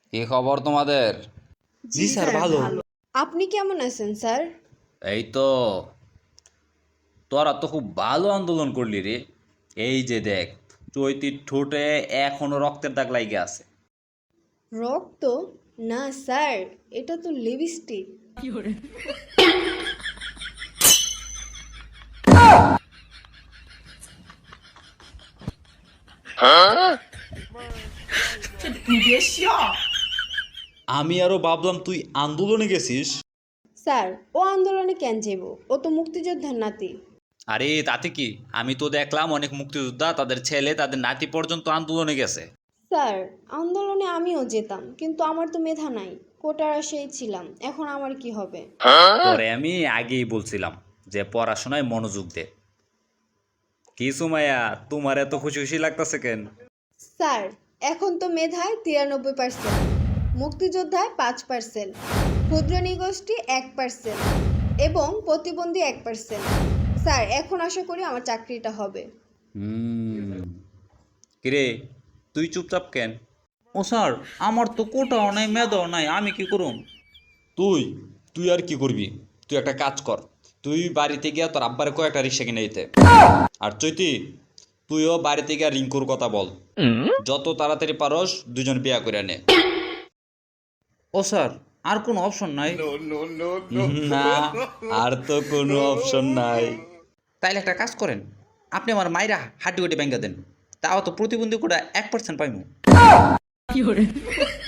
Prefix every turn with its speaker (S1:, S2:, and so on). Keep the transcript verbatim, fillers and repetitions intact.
S1: কি খবর তোমাদের?
S2: জি স্যার ভালো। আপনি কেমন আছেন স্যার?
S1: এই তো। তোরা তো খুব ভালো আন্দোলন করলি রে। এই যে দেখ, চৈতির ঠোঁটে এখনো রক্তের দাগ লাইগে আছে।
S2: রক্ত? না স্যার, এটা তো লিপস্টিক।
S1: আমি আরো ভাবলাম তুই আন্দোলনে গেছিস।
S2: স্যার, ও আন্দোলনে কেন যাব? ও তো মুক্তিযোদ্ধার নাতি।
S1: আরে তাতে কি, আমি তো দেখলাম অনেক মুক্তিযোদ্ধা তাদের ছেলে তাদের নাতি পর্যন্ত আন্দোলনে গেছে।
S2: স্যার, আন্দোলনে আমিও যেতাম, কিন্তু আমার তো মেধা নাই। কোটার আশায় ছিলাম, এখন আমার কি হবে?
S1: পরে আমি আগেই বলছিলাম যে পড়াশোনায় মনোযোগ দে। কি সুমাইয়া, তোমার এত খুশি খুশি লাগতেছে কেন?
S2: স্যার, এখন তো মেধায় তিরানব্বই পার্সেন্ট, মুক্তিযোদ্ধায় পাঁচ পার্সেন্ট, ক্ষুদ্র নিগোষ্ঠী এক পার্সেন্ট এবং প্রতিবন্ধী এক পার্সেন্ট। স্যার, এখন আশা করি আমার চাকরিটা হবে।
S1: হুম। কিরে, তুই চুপচাপ কেন? ও স্যার, আমার তো কোটাও নাই মেধাও নাই, আমি কি করুম? তুই তুই আর কি করবি? তুই একটা কাজ কর, তুই বাড়িতে গিয়া তোর আব্বারে কয়েকটা রিক্সা কিনে দিতে। আর চৈতি, তুইও বাড়িতে গিয়া রিঙ্কুর কথা বল, যত তাড়াতাড়ি পারস দুজন বিয়া করে নে। ও স্যার, আর কোনো অপশন নাই? না, আর তো কোনো অপশন নাই। তাইলে একটা কাজ করেন, আপনি আমার মাইরা হাড্ডি গুটি ব্যাঙ্গা দেন, তাও তো প্রতিবন্ধী কোটা এক পার্সেন্ট পাইমু।